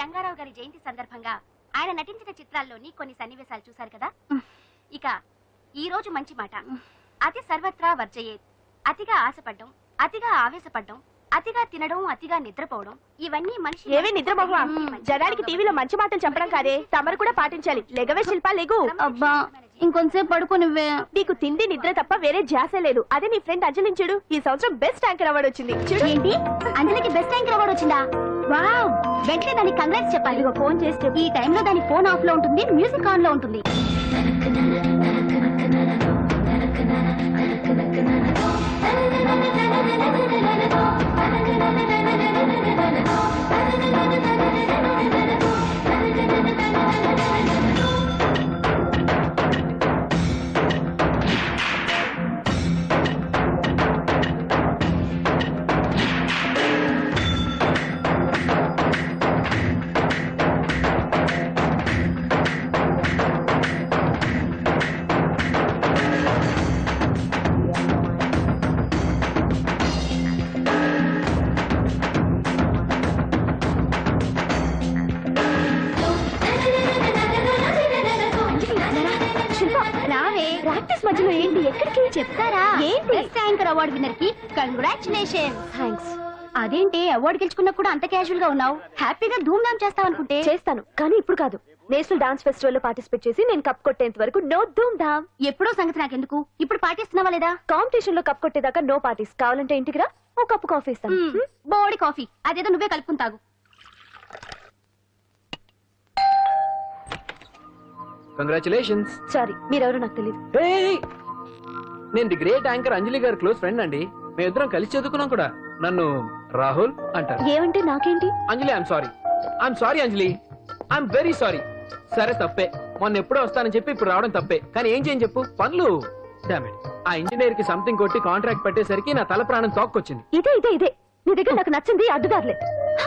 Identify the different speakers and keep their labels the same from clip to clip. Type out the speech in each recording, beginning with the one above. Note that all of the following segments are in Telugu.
Speaker 1: రంగారావు గారి జయంతి సందర్భంగా ఆయన నటించిన చిత్రాల్లోని కొన్ని సన్నివేశాలు చూశారు కదా. ఇక ఈ రోజు మంచి మాట. అతి సర్వత్రా వర్జయేత్. అతిగా ఆశపడ్డం, అతిగా ఆవేశపడ్డం, అతిగా తినడం, అతిగా నిద్రపోవడం, ఇవన్నీ మనిషి
Speaker 2: ఏవే నిద్రమోహ. జనానికి టీవీలో మంచి మాటలు చెప్పడం కాదే, తమరు కూడా పాటించాలి. లెగవే శిల్ప, లెగు.
Speaker 1: అబ్బా ఇంకొంతసేపు పడుకో నువ్వే.
Speaker 2: నీకు తిండి నిద్ర తప్ప వేరే ధ్యాస లేదు. అదే నీ ఫ్రెండ్ అంజలిని చూడు, ఈ సంవత్సరం బెస్ట్ యాంకర్ అవార్డు వచ్చింది. చూడు.
Speaker 1: ఏంటి, అంజలికి బెస్ట్ యాంకర్ అవార్డు వచ్చిందా? వావ్, వెంటనే దానికి కంగ్రాట్స్ చెప్పాలి. ఇదిగో ఫోన్ చేస్తే ఈ టైంలో దాని ఫోన్ ఆఫ్ లో ఉంటుంది, మ్యూజిక్ ఆన్ లో ఉంటుంది. మధ్యలో ఏంటి, ఎక్కడికి చెప్తారా? ఏంటి? బెస్ట్ యాంకర్ అవార్డు విన్నర్ కి కంగ్రాచులేషన్. థాంక్స్. అదేంటి అవార్డు గెలుచుకున్నా కూడా అంత క్యాజువల్ గా ఉన్నావు? హ్యాపీగా ధూమ్ ధామ్ చేస్తావు అనుకుంటే.
Speaker 2: చేస్తాను, కానీ ఇప్పుడు కాదు. నేషనల్ డాన్స్ ఫెస్టివల్ లో పార్టిసిపేట్ చేసి నేను కప్ కొట్టేంత వరకు నో ధూమ్ ధామ్.
Speaker 1: ఎప్పుడో సంగతి నాకెందుకు, ఇప్పుడు పాటిస్తున్నావా లేదా?
Speaker 2: కాంపిటీషన్ లో కప్ కొట్టేదాకా నో పార్టీస్. కావాలంటే ఇంటికి రా, ఓ కప్పు కాఫీ ఇస్తాను.
Speaker 1: బోడి కాఫీ అదేదో నువ్వే కలుపుకుని తాగు.
Speaker 3: కంగ్రాచులేషన్స్.
Speaker 2: సారీ, మీరెవరో నాకు తెలియదు.
Speaker 3: నేను ది గ్రేట్ యాంకర్ అంజలి గారి క్లోజ్ ఫ్రెండ్ అండి. మేమిద్దరం కలిసి చదువుకున్నాం కూడా. నన్ను రాహుల్ అంటారు.
Speaker 2: ఏమంటే నాకేంటి?
Speaker 3: Anjali, I'm sorry Anjali, I'm very sorry. సరే తప్పే, మొన్న ఎప్పుడో వస్తానని చెప్పి ఇప్పుడు రావడం తప్పే. కానీ ఏం చేయని చెప్పు, పనులు. ఆ ఇంజనీర్ కి సంథింగ్ కొట్టి కాంట్రాక్ట్ పెట్టేసరికి నా తల ప్రాణం తోక్కొచ్చింది.
Speaker 2: ఇదే నీ దగ్గర నాకు నచ్చింది అడ్డుదారులే.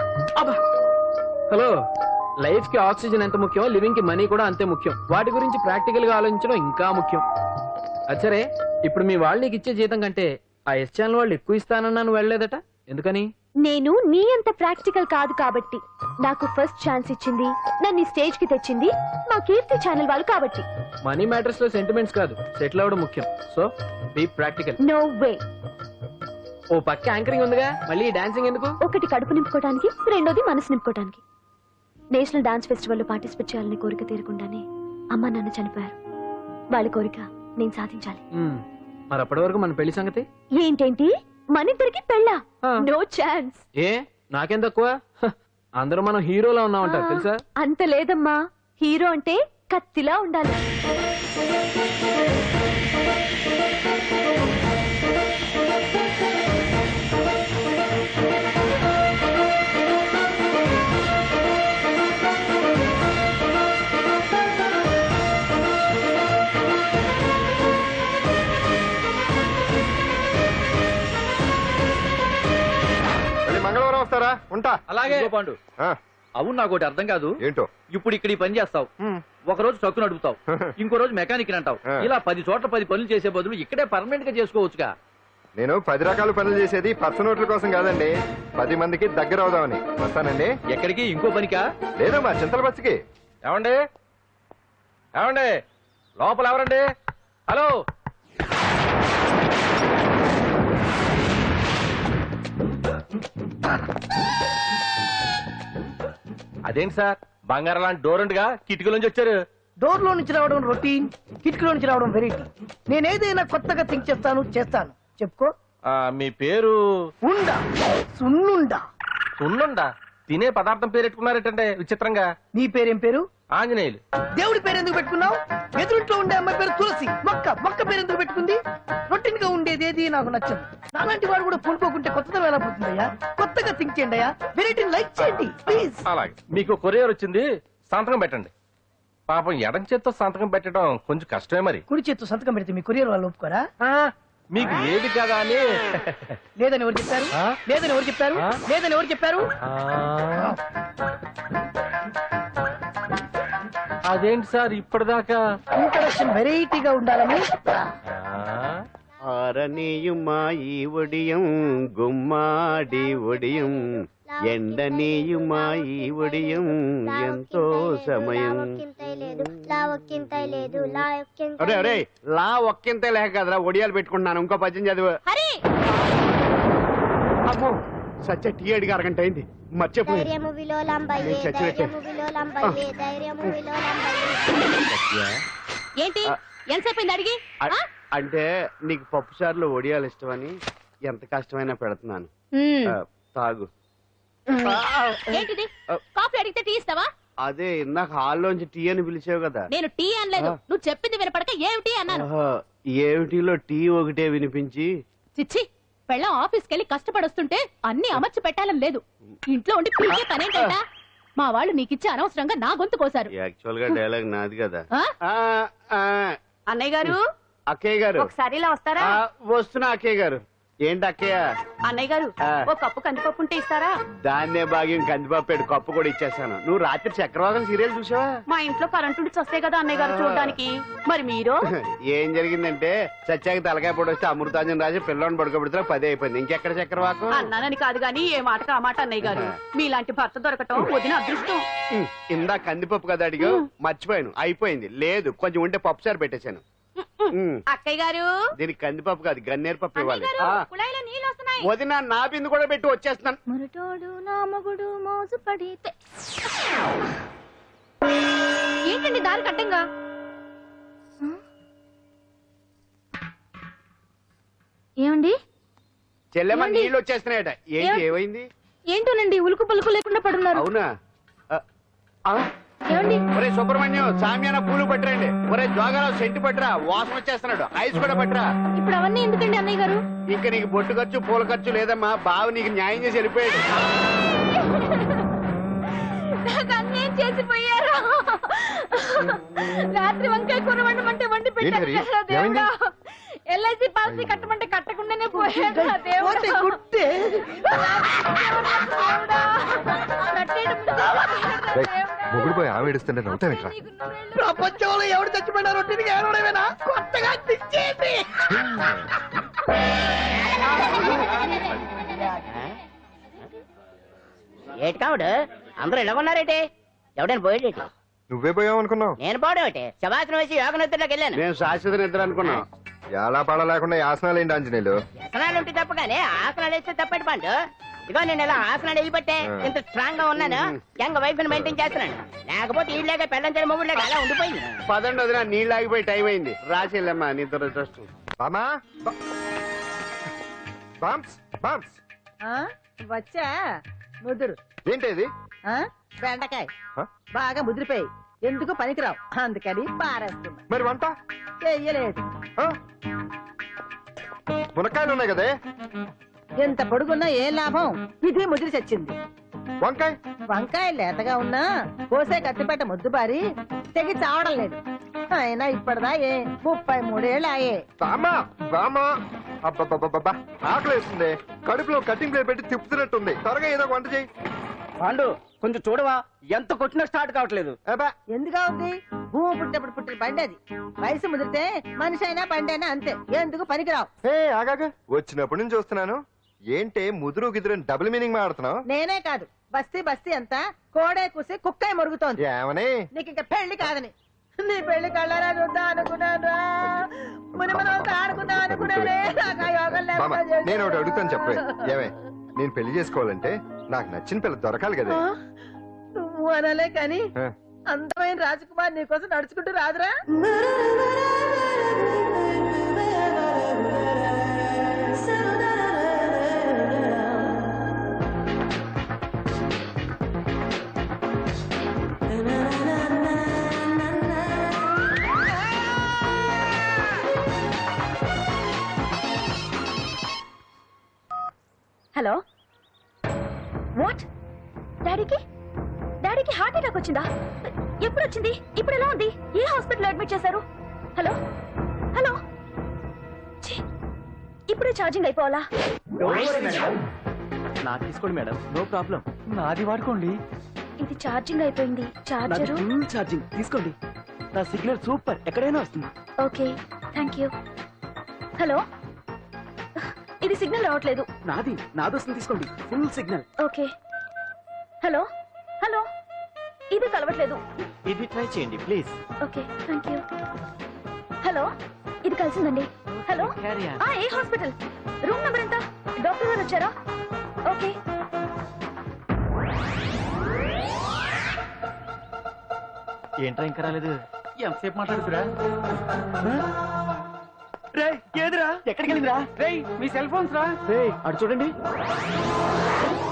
Speaker 3: హలో, లైఫ్ కి ఆక్సిజన్ ఎంత ముఖ్యం, లివింగ్ కి మనీ కూడా అంతే ముఖ్యం. వాటి గురించి ప్రాక్టికల్ గా ఆలోచించడం ఇంకా ముఖ్యం. అచ్చరే, ఇప్పుడు మీ వాళ్ళు నీకు ఇచ్చే జీతం కంటే ఆ ఎస్ ఛానల్ వాళ్ళు ఎక్కువ ఇస్తానన్నాను, వెళ్ళలేదట. ఎందుకని?
Speaker 2: నేను నీ అంత ప్రాక్టికల్ కాదు కాబట్టి. నాకు ఫస్ట్ ఛాన్స్ ఇచ్చింది, నన్ను స్టేజ్ కి తెచ్చింది మా కీర్తి ఛానల్ వాళ్ళు కాబట్టి.
Speaker 3: మనీ మ్యాటర్స్ లో సెంటిమెంట్స్ కాదు, సెటిల్ అవ్వడం ముఖ్యం. So be practical.
Speaker 2: No way.
Speaker 3: ఓ పక్క యాంకరింగ్ ఉందిగా, మళ్ళీ డాన్సింగ్ ఎందుకు?
Speaker 2: ఒకటి కడుపు నింపుకోవడానికి, రెండోది మనసు నింపుకోవడానికి. నేషనల్ డాన్స్ ఫెస్టివల్ లో పార్టిసిపేట్ చేయాలని కోరిక తీరకుండానే అమ్మ నాన్న చనిపోయారు. వాళ్ళ కోరిక నేను సాధించాలి.
Speaker 3: మరి అప్పటి వరకు మన పెళ్లి సంగతి
Speaker 2: ఏంటేంటి? మనిద్దరికి పెళ్ళా? No chance.
Speaker 3: ఏ నాకేం తక్కువ? అందరూ మనం హీరోలా ఉన్నామంటారు తెలుసా?
Speaker 2: అంత లేదమ్మా, హీరో అంటే కత్తిలా ఉండాలి.
Speaker 4: మంగళవారం వస్తారా? ఉంటా.
Speaker 5: అలాగే పాండు. అవును, నాకు ఒకటి అర్థం కాదు.
Speaker 4: ఏంటో?
Speaker 5: ఇప్పుడు ఇక్కడ ఈ పని చేస్తావు, ఒక రోజు ట్రక్కు నడుపుతావు, ఇంకో రోజు మెకానిక్ అంటావు. ఇలా 10 చోట్ల 10 పనులు చేసే బదులు ఇక్కడే పర్మనెంట్ గా చేసుకోవచ్చుగా.
Speaker 4: నేను 10 రకాల పనులు చేసేది పచ్చ నోట్ల కోసం కాదండి, 10 మందికి దగ్గర అవుదామని. వస్తానండి.
Speaker 5: ఎక్కడికి? ఇంకో పనికా?
Speaker 4: లేదు, మా చింతల బస్సుకి.
Speaker 5: ఏమండి లోపల ఎవరండి? హలో, అదేంటి సార్, బంగారం లాంటి డోర్ ఉండగా కిటికీ నుంచి వచ్చారు?
Speaker 6: డోర్ లో నుంచి రావడం రొటీన్, కిటికీలో నుంచి రావడం వెరైటీ. నేనేదైనా కొత్తగా థింక్ చేస్తాను. చెప్పుకో.
Speaker 5: మీ పేరు?
Speaker 6: ఉండా, సున్నుండా.
Speaker 5: సున్నుండా? తినే పదార్థం పేరు పెట్టుకున్నారేటంటే విచిత్రంగా.
Speaker 6: నీ పేరేం పేరు?
Speaker 5: ఆంజనేయులు.
Speaker 6: దేవుడి పేరు ఎందుకు పెట్టుకున్నావు? ఎదురుంట్లో ఉండే అమ్మాయి పేరు తులసి. మొక్క పేరు ఎందుకు పెట్టుకుంది? రొటీన్ గా ఉండేది ఏది నాకు నచ్చదు. నాలాంటి వాడు కూడా పూనుకోకుంటే కొత్తదనం ఎలా పోతుందయ్యా? కొత్తగా థింక్ చేయండి అయ్యా, వెరైటీని లైక్ చేయండి ప్లీజ్.
Speaker 5: అలాగే, మీకు కొరియర్ వచ్చింది, సంతకం పెట్టండి. పాపం ఎడం చేత్తో సంతకం పెట్టడం కొంచెం కష్టమే. మరి
Speaker 6: కుడి చేత్తో సంతకం పెడితే మీ కొరియర్ వాళ్ళు ఒప్పుకోరా?
Speaker 5: మీకు లేదు కదా అని.
Speaker 6: లేదని ఎవరు చెప్పారు? లేదని ఎవరు చెప్పారు? లేదని ఎవరు చెప్పారు?
Speaker 5: అదేంటి సార్ ఇప్పటిదాకా
Speaker 6: ఇంట్రడక్షన్ వెరైటీగా ఉండాలని.
Speaker 7: ఆరనీయుమా ఈ ఒడియం గుమ్మాడి ఒడియం ఎండనీయుమా ఈ ఒడియం ఎంతో సమయం. అరే అరే లా ఒక్కింతే లేక కదరా ఒడియాలు పెట్టుకుంటున్నాను. ఇంకో పద్యం చదువు. అమ్మో సత్య టీ అడిగి అరగంట అయింది మర్చిపోయింది.
Speaker 1: ఏంటి ఎంతసేపు అడిగి
Speaker 7: అంటే నీకు పప్పు సార్లు ఒడియాలు ఇష్టమని ఎంత కష్టమైనా పెడుతున్నాను. తాగు.
Speaker 1: ఏంటిది కాఫీ అడిగితే టీ ఇస్తావా?
Speaker 7: అదే ఇందాక హాల్లోంచి టీ అని పిలిచావు కదా.
Speaker 1: నేను టీ అనలేదు, నువ్వు చెప్పింది వినపడక ఏమిటి అన్నాను.
Speaker 7: ఏమిటిలో టీ ఒకటే వినిపించి.
Speaker 1: చిచ్చి పెళ్ళం ఆఫీస్కి వెళ్ళి కష్టపడొస్తుంటే అన్ని అమర్చి పెట్టాలని లేదు. ఇంట్లో ఉండి పీకే పనేంట. మా వాళ్ళు నీకిచ్చి అనవసరంగా నా గొంతు కోసారు.
Speaker 7: యాక్చువల్ గా డైలాగ్ నాది కదా.
Speaker 1: అన్నయ్య గారు
Speaker 7: అక్కయ్య గారు
Speaker 1: ఒకసారి ఇలా వస్తారా?
Speaker 7: వస్తున్నా అక్కయ్య గారు. ఏంటి అక్కయ్య?
Speaker 1: అన్నయ్య గారు ఒక కప్పు కందిపప్పు ఉంటే ఇస్తారా?
Speaker 7: దాన్నే భాగ్యం కందిపప్పు కప్పు కూడా ఇచ్చేసాను. నువ్వు రాత్రి చక్రవాదం సీరియల్ చూసావా?
Speaker 1: మా ఇంట్లో కరెంటు ఉండి వస్తే కదా అన్నయ్య గారు చూడడానికి. మరి మీరు
Speaker 7: ఏం జరిగిందంటే సత్యాకి తలకాయ పొడి వస్తే అమృతాంజన్ రాజు పిల్లని పడుకోబెడితే 10 అయిపోయింది. ఇంకెక్కడ చక్రవాకం?
Speaker 1: అన్నానని కాదు గాని ఏ మాటకు ఆ మాట అన్నయ్య గారు. మీలాంటి భర్త దొరకటం వదిన అదృష్టం.
Speaker 7: ఇందా కందిపప్పు కదా అడిగా మర్చిపోయాను. అయిపోయింది. లేదు కొంచెం ఉంటే పప్పు సార్ పెట్టేశాను.
Speaker 1: అక్కయ్య గారు
Speaker 7: దీనికి కందిపప్పు కాదు గన్నేరు పప్పు ఇవ్వాలి.
Speaker 1: కుళాయిలో నీళ్ళు వస్తున్నాయి.
Speaker 7: వదిన నా బిందు కూడా పెట్టి వచ్చేస్తున్నాను.
Speaker 2: మురటోడు నా మగుడు మోజు పడితే.
Speaker 1: ఏంటండి దారి కట్టంగా?
Speaker 2: ఏమండి
Speaker 7: చెల్లెమ్మ నీళ్ళు వచ్చేస్తున్నాయట. ఏంటి ఏమైంది?
Speaker 2: ఏంటోనండి ఉలుకు పలుకు లేకుండా పడున్నారు.
Speaker 7: అవునా?
Speaker 2: ఏమండి
Speaker 7: ఒరే సుబ్రహ్మణ్యం సామ్యాన పూలు పట్టరండి. ఒరే జోగారావు సెంటు పట్టరా వాసన వచ్చేస్తున్నాడు. ఐస్ కూడా పట్టరా.
Speaker 2: ఇప్పుడు అవన్నీ ఎందుకండి అన్నయ్య గారు?
Speaker 7: ఇంకా నీకు బొట్టు ఖర్చు పూల ఖర్చు లేదమ్మా. బావ నీకు న్యాయం చేసి వెళ్ళిపోయాడు.
Speaker 2: అన్యాయం చేసిపోయారు. రాత్రి వంకాయ కూర వండమంటే వండి పెట్టారు కదా దేవుడా. ఎల్ఐసి పాలసీ కట్టమంటే కట్టకుండానే పోయాడు దేవుడా.
Speaker 4: మొగుడు పోయి ఆమె ఏడుస్తుంటే నవ్వుతావేంట్రా?
Speaker 6: ప్రపంచంలో ఎవరు చచ్చిపోయినా రొట్టెకి ఏడవడమేనా? కొత్తగా తెచ్చేయండి.
Speaker 8: ఏటి కావుడు అందరూ ఇలా ఉన్నారేటి? ఎవడైనా పోయేటి?
Speaker 4: నువ్వే పోయావు అనుకున్నావు.
Speaker 8: నేను పోవడం శవాసనం వేసి యోగ నిద్రలోకి వెళ్ళాను.
Speaker 7: నేను శాశ్వత నిద్ర అనుకున్నా.
Speaker 4: ఎలా పాడ లేకుండా యాసనాలు ఏంటి ఆంజనేయులు?
Speaker 8: వ్యసనాలు ఉంటే తప్ప కానీ ఆసనాలు వేస్తే తప్పటి పండు. ఇదిగో నేను ఇలా ఆసనాలు వేయబట్టే ఇంత స్ట్రాంగ్ గా ఉన్నాను. యంగ్ వైఫ్ ని మెయింటైన్ చేస్తున్నాను. లేకపోతే ఈ లేక పెళ్ళంచని మొగుడు లేక అలా ఉండిపోయింది.
Speaker 7: పదండి వదిన నీళ్ళు ఆగిపోయి టైం అయింది. రాసేళ్ళమ్మా నిద్ర ట్రస్ట్.
Speaker 4: బామా బాంప్స్ బాంప్స్
Speaker 9: వచ్చా ముదురు.
Speaker 4: ఏంటి ఇది?
Speaker 9: బెండకాయ
Speaker 4: ఆ?
Speaker 9: బాగా ముదిరిపోయి ఎందుకు పనికిరావు అందుకని పారేస్తున్నా.
Speaker 4: మరి వంట
Speaker 9: చెయ్యలేదు.
Speaker 4: ఆ? మునక్కాయలు ఉన్నాయి కదే.
Speaker 9: ఎంత పొడుగున్నా ఏం లాభం? ఇది ముదిరి చచ్చింది.
Speaker 4: వంకాయ
Speaker 9: వంకాయ లేతగా ఉన్నా కోసే కత్తిపేట ముద్దు పారి తెగి చావడం లేదు. అయినా ఇప్పటిదా 33 ఏళ్ళు ఆయే.
Speaker 4: బామా బామా అబ్బబ్బబ్బబ్బా ఆకలి వేస్తుంది. కడుపులో కటింగ్ ప్లేట్ పెట్టి తిప్పుతున్నట్టుంది. త్వరగా ఏదో వంట చేయి.
Speaker 5: పాండు కొంచెం చూడవా ఎంత కొట్టినా స్టార్ట్ కావట్లేదు.
Speaker 9: ఎందుగా ఉంది? భూమి పుట్టినప్పుడు పుట్టిన బండి అది. వయసు ముదిరితే మనిషి అయినా బండి అయినా అంతే. ఎందుకు పనికిరావు.
Speaker 4: ఆగాగ వచ్చినప్పటి నుంచి చూస్తున్నాను. ఏంటే ముదురు గిదురు డబుల్ మీనింగ్ మాడుతున్నావు?
Speaker 9: నేనే కాదు బస్తీ బస్తీ అంతా కోడే కూసి కుక్కాయ మరుగుతోంది.
Speaker 4: ఏమని?
Speaker 9: నీకు ఇంకా పెళ్లి కాదని. నీ పెళ్లి కళ్ళారా చూద్దాం అనుకున్నాను. మునిమనంతా ఆడుకుందాం అనుకున్నానే. నాకు ఆ యోగం
Speaker 4: బామా
Speaker 9: లేకుండా
Speaker 4: నేను ఒకటి
Speaker 9: చేశారు.
Speaker 4: అడుగుతాను చెప్పే. ఏమే నేను పెళ్లి చేసుకోవాలంటే నాకు నచ్చిన పిల్ల దొరకాలి కదా.
Speaker 9: నువ్వు అనలే కాని
Speaker 4: ఆ.
Speaker 9: అందమైన రాజకుమార్ నీకోసం నడుచుకుంటూ రాదురా.
Speaker 2: Hello what? డాడీకి హార్ట్ అటాక్ వచ్చిందా? ఎప్పుడు వచ్చింది? ఇప్పుడు ఎలా ఉంది? ఏ హాస్పిటల్ అడ్మిట్ చేశారు? హలో హలో ఛీ, ఇప్పుడే ఛార్జింగ్ అయిపోవాలా?
Speaker 3: నాకు తీసుకోండి మేడం, నో ప్రాబ్లం. నాది వాడుకోండి.
Speaker 2: ఇది ఛార్జింగ్ అయిపోయింది. చార్జరు
Speaker 3: ఫుల్ ఛార్జింగ్ తీసుకోండి. నా సిగ్నల్ సూపర్, ఎక్కడైనా వస్తుంది.
Speaker 2: Okay thank you. హలో ఇది సిగ్నల్ రావట్లేదు.
Speaker 3: నాది వస్తుంది, తీసుకోండి. Full signal.
Speaker 2: Okay. Hello hello, ఇది కలవట్లేదు.
Speaker 3: ఇది ట్రై చేయండి please.
Speaker 2: Okay, thank you. Hello, ఇది కలిసిందండి. హలో, ఏ హాస్పిటల్? రూమ్ నెంబర్ ఎంత? డాక్టర్ గారు వచ్చారా? ఓకే.
Speaker 3: ఏంట్రా ఇంకా రాలేదు?
Speaker 5: ఎంతసేపు మాట్లాడుతురా?
Speaker 3: ఏదిరా? ఎక్కడికి వెళ్ళిందిరా?
Speaker 5: మీ సెల్ ఫోన్స్ రా.
Speaker 3: అటు చూడండి.